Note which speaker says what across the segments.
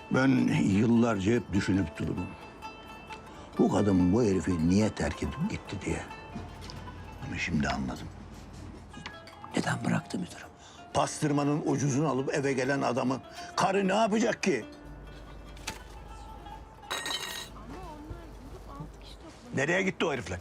Speaker 1: Ben yıllarca hep düşünüp durdum. Bu kadın bu herifi niye terk edip gitti diye. Ama şimdi anladım.
Speaker 2: Neden bıraktı müdürüm?
Speaker 1: Pastırmanın ucuzunu alıp eve gelen adamı karı ne yapacak ki? Nereye gitti o herifler?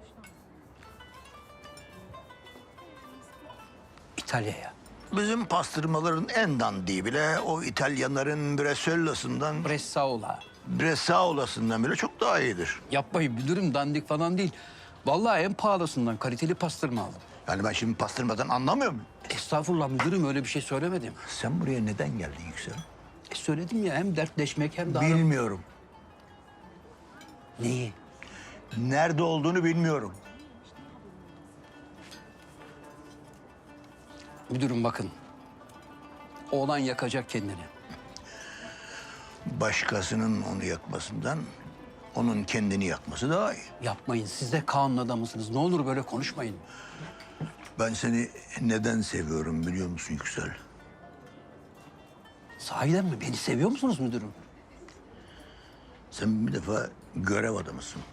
Speaker 2: İtalya'ya.
Speaker 1: Bizim pastırmaların en dandiği bile o İtalyanların Bressola'sından,
Speaker 2: Bressaola.
Speaker 1: Bressaola'sından bile çok daha iyidir.
Speaker 2: Yapmayın müdürüm, dandik falan değil. Vallahi en pahalısından kaliteli pastırma aldım.
Speaker 1: Yani ben şimdi pastırmadan anlamıyor muyum?
Speaker 2: Estağfurullah müdürüm, öyle bir şey söylemedim.
Speaker 1: Sen buraya neden geldin Yüksel?
Speaker 2: Söyledim ya, hem dertleşmek hem de...
Speaker 1: Bilmiyorum.
Speaker 2: Neyi?
Speaker 1: Nerede olduğunu bilmiyorum.
Speaker 2: Müdürüm bakın. Oğlan yakacak kendini.
Speaker 1: Başkasının onu yakmasından onun kendini yakması daha iyi.
Speaker 2: Yapmayın, siz de Kaan'ın adamısınız. Ne olur böyle konuşmayın.
Speaker 1: Ben seni neden seviyorum biliyor musun Yüksel?
Speaker 2: Sahiden mi? Beni seviyor musunuz müdürüm?
Speaker 1: Sen bir defa görev adamısın.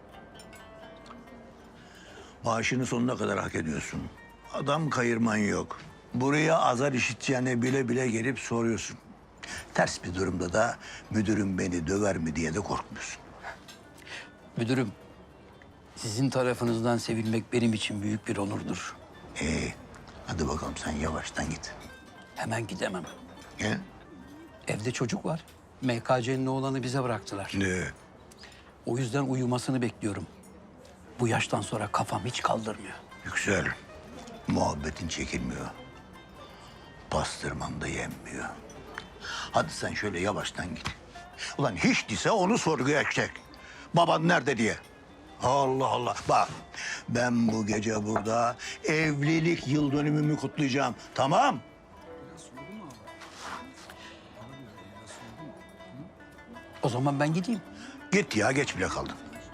Speaker 1: Maaşını sonuna kadar hak ediyorsun. Adam kayırman yok. Buraya azar işiteceğine bile bile gelip soruyorsun. Ters bir durumda da müdürüm beni döver mi diye de korkmuyorsun.
Speaker 2: Müdürüm, sizin tarafınızdan sevilmek benim için büyük bir onurdur.
Speaker 1: Hadi bakalım sen yavaştan git.
Speaker 2: Hemen gidemem.
Speaker 1: He?
Speaker 2: Evde çocuk var. MKC'nin oğlanı bize bıraktılar.
Speaker 1: Ne?
Speaker 2: O yüzden uyumasını bekliyorum. Bu yaştan sonra kafam hiç kaldırmıyor.
Speaker 1: Yüksel, muhabbetin çekilmiyor. Pastırman da yenmiyor. Hadi sen şöyle yavaştan git. Ulan hiç değilse onu sorguya çek. Baban nerede diye. Allah Allah. Bak ben bu gece burada evlilik yıl dönümümü kutlayacağım. Tamam?
Speaker 2: O zaman ben gideyim.
Speaker 1: Git ya geç bile kaldın.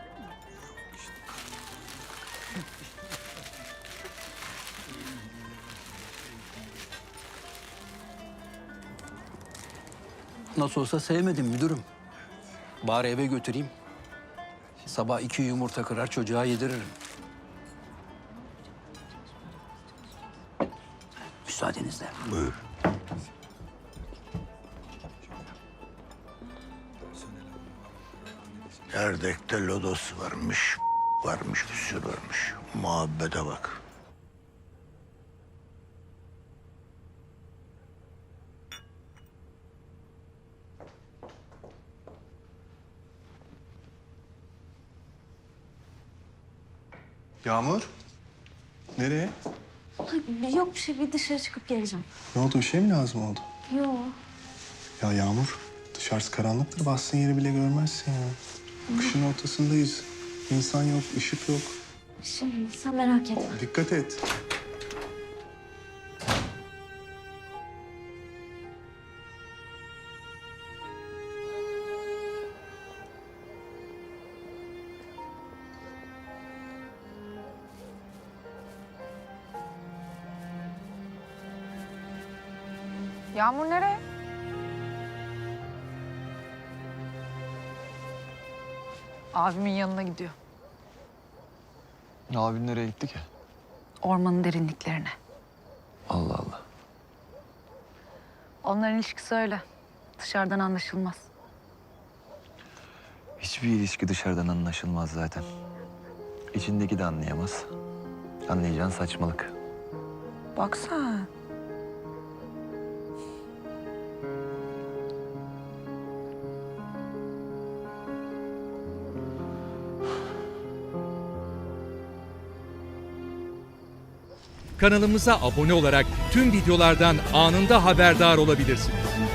Speaker 2: Nasıl olsa sevmedim müdürüm. Bari eve götüreyim. Sabah 2 yumurta kırar çocuğa yediririm. Müsaadenizle.
Speaker 1: Buyur. Erdek'te lodos varmış, varmış bir sürü varmış. Muhabbete bak.
Speaker 3: Yağmur? Nereye?
Speaker 4: Ay, yok bir şey, bir dışarı çıkıp geleceğim.
Speaker 3: Ne oldu? Bir şey mi lazım oldu?
Speaker 4: Yok.
Speaker 3: Ya Yağmur, dışarısı karanlıktır. Bastığın yeri bile görmezsin ya. Kışın ortasındayız. İnsan yok, ışık yok.
Speaker 4: Şimdi sen merak etme.
Speaker 3: Dikkat et.
Speaker 5: Yağmur nereye? Abimin yanına gidiyor.
Speaker 6: Abin nereye gitti ki?
Speaker 5: Ormanın derinliklerine.
Speaker 6: Allah Allah.
Speaker 5: Onların ilişkisi öyle. Dışarıdan anlaşılmaz.
Speaker 6: Hiçbir ilişki dışarıdan anlaşılmaz zaten. İçindeki de anlayamaz. Anlayacağın saçmalık.
Speaker 5: Bak sen.
Speaker 7: Kanalımıza abone olarak tüm videolardan anında haberdar olabilirsiniz.